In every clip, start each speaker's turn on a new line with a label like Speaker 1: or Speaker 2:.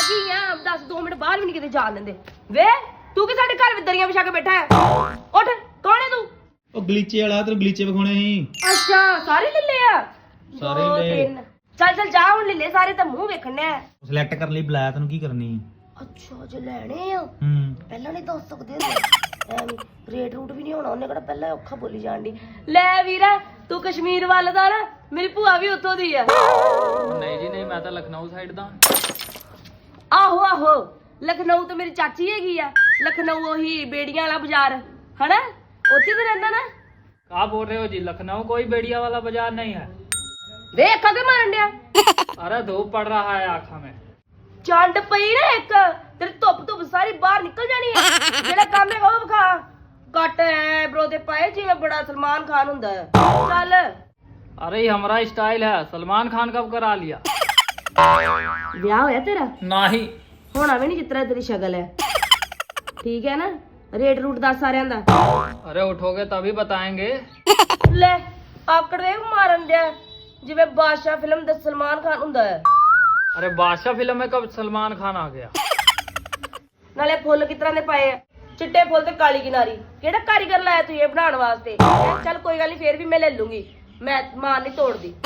Speaker 1: ਕੀ ਆ? 10-2 ਮਿੰਟ ਬਾਹਰ ਵੀ ਨਹੀਂ ਕਿਤੇ ਜਾਣ ਦਿੰਦੇ। ਵੇ ਤੂੰ ਕਿ ਸਾਡੇ ਘਰ ਵਿੱਚ ਦਰੀਆਂ ਵਿਛਾ ਕੇ ਬੈਠਾ ਹੈ? ਉੱਠ, ਕੌਣ ਹੈ ਤੂੰ?
Speaker 2: ਉਹ ਗਲੀਚੇ ਵਾਲਾ ਤੇ ਗਲੀਚੇ ਵਿਖਾਉਣੇ ਸੀ।
Speaker 1: ਅੱਛਾ, ਸਾਰੇ ਲੱਲੇ ਆ?
Speaker 2: ਸਾਰੇ
Speaker 1: ਦੋ,
Speaker 2: ਲਏ।
Speaker 1: ਤਿੰਨ। ਚੱਲ ਜਾ ਹੁਣ ਲੱਲੇ ਸਾਰੇ, ਤਾਂ ਮੂੰਹ ਵੇਖਣੇ ਆ।
Speaker 2: ਸਿਲੈਕਟ ਕਰਨ ਲਈ ਬੁਲਾਇਆ ਤੈਨੂੰ, ਕੀ ਕਰਨੀ?
Speaker 1: ਅੱਛਾ ਜੇ ਲੈਣੇ ਆ ਪਹਿਲਾਂ ਨਹੀਂ ਦੱਸ ਸਕਦੇ ਹੁੰਦੇ। ਐਵੇਂ ਰੇਟ ਰੂਟ ਵੀ ਨਹੀਂ ਹੋਣਾ, ਉਹਨੇ ਕਿਹੜਾ ਪਹਿਲਾਂ ਔਖਾ ਬੋਲੀ ਜਾਣ ਦੀ। ਲੈ ਵੀਰਾ, ਤੂੰ ਕਸ਼ਮੀਰ ਵੱਲ ਦਾ ਨਾ, ਮੇਰੀ ਭੂਆ ਵੀ ਉੱਥੋਂ ਦੀ ਆ।
Speaker 3: नहीं जी नहीं, मैं तो लखनऊ साइड दा।
Speaker 1: ਆਹੋ ਆਹੋ, ਲਖਨਊ ਤੋਂ ਮੇਰੀ ਚਾਚੀ ਹੈਗੀ ਆ। ਲਖਨਊ ਉਹੀ ਬੇੜੀਆਂ ਵਾਲਾ ਬਾਜ਼ਾਰ ਹਨਾ, ਉੱਥੇ ਤੇ ਰਹਿੰਦਾ ਨਾ।
Speaker 3: क्या बोल रहे हो जी? लखनऊ कोई बेड़िया वाला बाजार नहीं है।
Speaker 1: ਵੇ ਅੱਖਾਂ ਤੇ ਮਾਰਨ ਡਿਆ।
Speaker 3: अरे धूप पड़ रहा है आँखों में।
Speaker 1: ਚੰਡ ਪਈ ਨਾ ਇੱਕ, ਤੇਰੀ ਧੁੱਪ ਸਾਰੀ ਬਾਹਰ ਨਿਕਲ ਜਾਣੀ ਹੈ। ਜਿਹੜਾ ਕੰਮ ਹੈਗਾ ਉਹ ਵਿਖਾ। ਕੱਟ ਐ ਬਰੋ ਦੇ ਪਾਏ ਜਿਵੇਂ ਬੜਾ ਸਲਮਾਨ ਖਾਨ ਹੁੰਦਾ ਹੈ। ਚੱਲ
Speaker 3: अरे ये हमारा स्टाइल है, सलमान खान कब करा लिया?
Speaker 1: ਵਿਆਹ ਹੋਇਆ ਤੇਰਾ?
Speaker 3: नहीं।
Speaker 1: ਹੋਣਾ ਵੀ ਨਹੀਂ ਜਿਤਨਾ ਤੇਰੀ ਸ਼ਕਲ ਹੈ। ਠੀਕ ਹੈ ਨਾ? ਰੇਟ ਰੂਟ ਦੱਸ ਸਾਰਿਆਂ ਦਾ।
Speaker 3: अरे उठोगे तभी बताएंगे।
Speaker 1: ਲੈ ਆਕੜ ਵੇ ਮਾਰਨ ਡਿਆ ਜਿਵੇਂ ਬਾਦਸ਼ਾਹ ਫਿਲਮ ਦਾ ਸਲਮਾਨ ਖਾਨ ਹੁੰਦਾ ਹੈ।
Speaker 3: अरे बादशाह फिल्म में कब सलमान खान आ गया?
Speaker 1: ਨਾਲੇ ਫੁੱਲ ਕਿਸ ਤਰ੍ਹਾਂ ਦੇ ਪਏ ਆ? ਚਿੱਟੇ ਫੁੱਲ ਤੇ ਕਾਲੀ ਕਿਨਾਰੀ। ਕਿਹੜਾ ਕਾਰੀਗਰ ਲਾਇਆ ਤੂੰ ਇਹ ਬਣਾਉਣ ਵਾਸਤੇ? ਚੱਲ ਕੋਈ ਗੱਲ ਨਹੀਂ, ਫੇਰ ਵੀ ਮੈਂ ਲੈ ਲੂੰਗੀ, ਮੈਂ ਮਾਰ ਨਹੀਂ ਤੋੜਦੀ।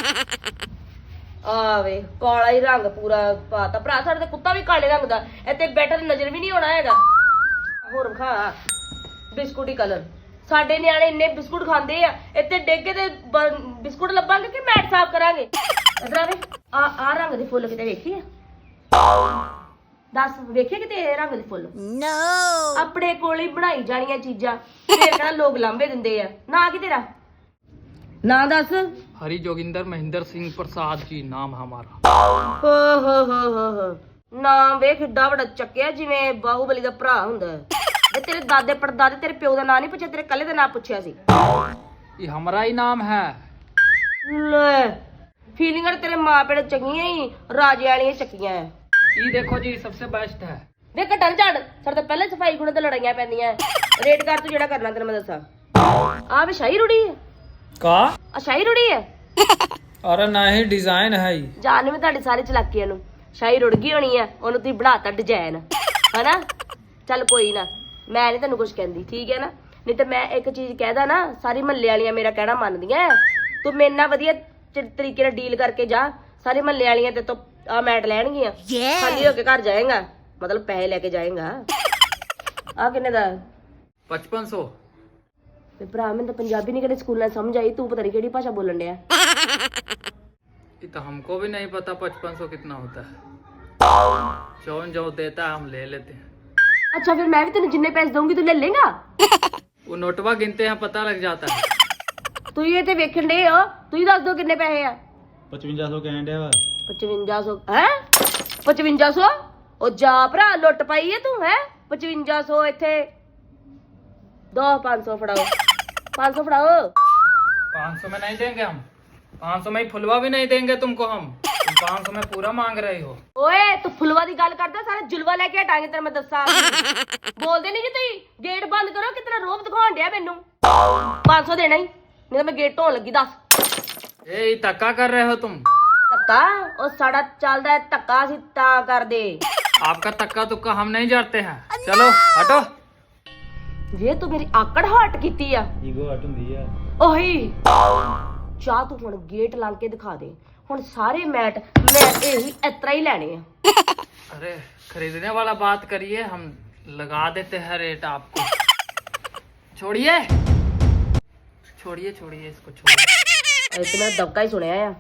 Speaker 1: ਆਵੇ ਕਾਲਾ ਹੀ ਰੰਗ ਪੂਰਾ ਪਾਤਾ ਭਰਾ, ਸਾਡੇ ਤੇ ਕੁੱਤਾ ਵੀ ਕਾਲੇ ਰੰਗ ਦਾ, ਇੱਥੇ ਬੈਠਾ ਤੇ ਨਜ਼ਰ ਵੀ ਨਹੀਂ ਆਉਣਾ ਹੈਗਾ। ਹੋਰ ਖਾ ਬਿਸਕੁਟ ਹੀ ਕਲਰ। ਸਾਡੇ ਨਿਆਣੇ ਇੰਨੇ ਬਿਸਕੁਟ ਖਾਂਦੇ ਆ, ਇੱਥੇ ਡੇਗੇ ਤੇ ਬਿਸਕੁਟ ਲੱਭਾਂਗੇ ਕਿ ਮੈਟ ਸਾਫ਼ ਕਰਾਂਗੇ। ਇਧਰ ਆਵੇ, ਆ ਰੰਗ ਦੇ ਫੁੱਲ ਕਿਤੇ ਵੇਖੀ ਆ? ਦੱਸ ਵੇਖੇ ਕਿਤੇ ਇਹ ਰੰਗ ਦੇ ਫੁੱਲ? ਆਪਣੇ ਕੋਲ ਹੀ ਬਣਾਈ ਜਾਣੀਆਂ ਚੀਜ਼ਾਂ, ਫੇਰ ਕਹਿੰਦਾ ਲੋਕ ਲਾਂਬੇ ਦਿੰਦੇ ਆ। ਨਾ ਕੀ ਤੇਰਾ ਨਾ ਦੱਸ?
Speaker 3: हरी जोगिंदर महेंद्र सिंह प्रसाद जी नाम हमारा।
Speaker 1: ਹੋ ਨਾਮ ਵੇਖ ਕਿੱਡਾ ਵੱਡਾ ਚੱਕਿਆ, ਜਿਵੇਂ ਬਾਹੂਬਲੀ ਦਾ ਭਰਾ ਹੁੰਦਾ ਹੈ। ਤੇ ਤੇਰੇ ਦਾਦੇ ਪੜਦਾਦੇ ਤੇਰੇ ਪਿਓ ਦਾ ਨਾਂ ਨਹੀਂ ਪੁੱਛਿਆ, ਤੇਰੇ ਕੱਲੇ ਦਾ ਨਾਂ ਪੁੱਛਿਆ ਸੀ।
Speaker 3: ये हमारा ही नाम है।
Speaker 1: ਲੈ ਫੀਲਿੰਗਾਂ ਤੇਰੇ ਮਾਂ ਪਿਓ ਚੰਗੀਆਂ ਹੀ ਰਾਜੇ ਵਾਲੀਆਂ ਚੱਕੀਆਂ ਐ।
Speaker 3: ये देखो जी सबसे बेस्ट है।
Speaker 1: ਵੇ ਘਟਣ ਝੜ, ਸਾਡੇ ਤਾਂ ਪਹਿਲੇ ਸਫਾਈ ਗੁਣ ਤੇ ਲੜਾਈਆਂ ਪੈਂਦੀਆਂ। ਰੇਟ ਕਰ ਤੂੰ ਜਿਹੜਾ ਕਰਨਾ, ਤੈਨੂੰ ਮੈਂ ਦੱਸਾਂ। ਆ ਵੀ ਸ਼ਾਹੀ ਰੁੜੀ ਹੈ?
Speaker 3: का?
Speaker 1: ਆ ਸ਼ਾਹੀ ਰੁੜੀ ਹੈ?
Speaker 3: अरे नहीं, डिजाइन है ये।
Speaker 1: ਜਾਨ ਵੀ ਤੁਹਾਡੀ ਸਾਰੀ ਚਲਾਕੀਆਂ ਨੂੰ ਸ਼ਾਹੀ ਰੁੜ ਗਈ ਹੋਣੀ ਆ, ਉਹਨੂੰ ਤੁਸੀਂ ਬਣਾਤਾ ਡਿਜ਼ਾਈਨ ਹਨਾ। ਚੱਲ ਕੋਈ ਨਾ, ਮੈਂ ਨਹੀਂ ਤੈਨੂੰ ਕੁਝ ਕਹਿੰਦੀ, ਠੀਕ ਹੈ ਨਾ? ਨਹੀਂ ਤਾਂ ਮੈਂ ਇੱਕ ਚੀਜ਼ ਕਹਿਦਾ ਨਾ, ਸਾਰੀ ਮਹੱਲੇ ਵਾਲੀਆਂ ਮੇਰਾ ਕਹਿਣਾ ਮੰਨਦੀਆਂ। ਤੂੰ ਮੇਰੇ ਨਾਲ ਵਧੀਆ ਤਰੀਕੇ ਨਾਲ ਡੀਲ ਕਰਕੇ ਜਾ, ਸਾਰੇ ਮਹੱਲੇ ਵਾਲੀਆਂ ਤੇ ਤੋਂ ਆ ਮੈਟ ਲੈਣਗੀਆਂ, ਖਾਲੀ ਹੋ ਕੇ ਘਰ ਜਾਏਗਾ, ਮਤਲਬ ਪੈਸੇ ਲੈ ਕੇ ਜਾਏਗਾ। ਆ ਕਿੰਨੇ ਦਾ?
Speaker 3: 5500।
Speaker 1: ਤੇ ਭਰਾ ਮੈਨੂੰ ਤਾਂ ਪੰਜਾਬੀ ਨਹੀਂ ਕਿਹੜੇ ਸਕੂਲਾਂ ਸਮਝ ਆਈ, ਤੂੰ ਪਤਾ ਨਹੀਂ ਕਿਹੜੀ ਭਾਸ਼ਾ ਬੋਲਣ ਡਿਆ।
Speaker 3: ये तो हमको भी नहीं पता 5500 कितना होता है। जो देता है हम ले लेते हैं।
Speaker 1: ਅੱਛਾ ਫਿਰ ਮੈਂ ਵੀ ਤੈਨੂੰ ਜਿੰਨੇ ਪੈਸੇ ਦਊਂਗੀ ਤੂੰ ਲੈ ਲੇਗਾ?
Speaker 3: वो नोटवा गिनते हैं, पता लग जाता है।
Speaker 1: ਤੁਸੀਂ ਇਹ ਤੇ ਵੇਖਣ ਡੇ ਹੋ, ਤੁਸੀਂ ਦੱਸ ਦਿਓ ਕਿੰਨੇ ਪੈਸੇ ਆ?
Speaker 2: 5500 ਕਹਿਣ ਡਿਆ ਵਾ।
Speaker 1: 5500 ਹੈ? 5500? ਉਹ ਜਾ ਭਰਾ, ਲੁੱਟ ਪਾਈ ਹੈ ਤੂੰ ਹੈ? 5500 ਇੱਥੇ ਦੋ 500 ਫੜਾਓ, 500 ਫੜਾਓ।
Speaker 3: 500 में नहीं देंगे हम। 500 में ही फुलवा भी नहीं देंगे तुमको हम। तुम 500 में पूरा मांग रही हो।
Speaker 1: ਓਏ ਤੂੰ ਫੁਲਵਾ ਦੀ ਗੱਲ ਕਰਦਾ, ਸਾਰਾ ਜੁਲਵਾ ਲੈ ਕੇ ਹਟਾਂਗੇ ਤੈਨੂੰ ਮੈਂ ਦੱਸਾਂ। ਬੋਲਦੇ ਨਹੀਂ ਜੀ ਤੁਸੀਂ, ਗੇਟ ਬੰਦ ਕਰੋ, ਕਿਤਨਾ ਰੋਬ ਦਿਖਾਉਣ ਡਿਆ ਮੈਨੂੰ। 500 ਦੇਣਾ ਹੀ, ਨਹੀਂ ਤਾਂ ਮੈਂ ਗੇਟ ਢੋਣ ਲੱਗੀ। ਦੱਸ
Speaker 3: ये धक्का कर रहे हो तुम।
Speaker 1: ਧੱਕਾ? ਉਹ ਸਾਡਾ ਚੱਲਦਾ ਹੈ ਧੱਕਾ, ਅਸੀਂ ਤਾਂ ਕਰਦੇ।
Speaker 3: आपका धक्का तुक्का हम नहीं जानते हैं। चलो हटो।
Speaker 1: ਜੇ ਤੂੰ ਮੇਰੀ ਆਕੜ ਹਟ ਕੀਤੀ ਆ,
Speaker 2: ਈਗੋ ਹਟ ਹੁੰਦੀ ਆ।
Speaker 1: ਉਹੀ ਚਾਹ ਤੂੰ ਹੁਣ ਗੇਟ ਲੰਘ ਕੇ ਦਿਖਾ ਦੇ। ਹੁਣ ਸਾਰੇ ਮੈਟ ਮੈਂ ਇਹੀ ਇਤਰਾ ਹੀ ਲੈਣੇ ਆ।
Speaker 3: अरे खरीदने वाला बात करिए, हम लगा देते हैं रेट आपको। छोड़िए छोड़िए छोड़िए इसको छोड़िए।
Speaker 1: ਇੱਥੇ ਮੈਂ ਦਬਕਾ ਹੀ ਸੁਣਿਆ ਆ।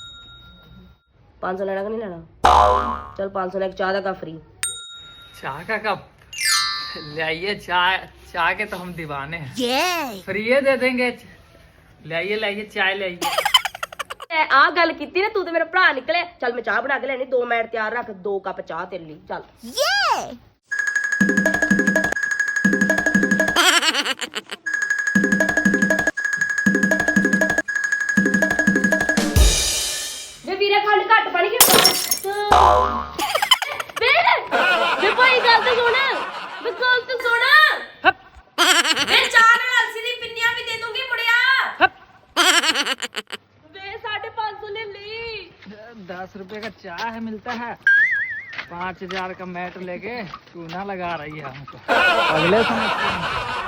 Speaker 1: 500 ਲੈਣਾ ਕਿ ਨਹੀਂ ਲੈਣਾ? ਚਲ 500 ਲੈ ਕੇ ਚਾਹ ਦਾ ਕੱਪ ਫਰੀ।
Speaker 3: चाय का कप ले आइए। चाय चाय के तो हम दीवाने हैं। फ्री दे देंगे। ले आइए लाइए चाय ले आइए।
Speaker 1: ਆ ਗੱਲ ਕੀਤੀ ਨਾ ਤੂੰ ਤੇ ਮੇਰਾ ਭਰਾ ਨਿਕਲੇ। ਚੱਲ ਮੈਂ ਚਾਹ ਬਣਾ ਕੇ ਲੈਣੀ, 2 ਮਿੰਟ ਤਿਆਰ ਰੱਖ, 2 ਕੱਪ ਚਾਹ ਤੇਰੇ ਲਈ। ਚੱਲ ਵੇ ਵੀਰੇ ਖੰਡ ਘੱਟ ਪਾਣੀ ਕਿ ਵੇ ਭਾਈ ਗੱਲ ਤੇ ਸੁਣ, ਵੇ ਗੱਲ ਤੇ ਸੁਣ। ਵੇ ਚਾਹ ਨਾਲ ਅਲਸੀ ਦੀ ਪਿੰਨੀਆਂ ਵੀ ਦੇ ਦੂੰਗੀ ਮੁੜਿਆ। ਵੇ 550 ले ली।
Speaker 3: 10 रुपए का चाय है, मिलता है। 5,000 का मैट लेके चूना लगा रही है हमको। अगले समय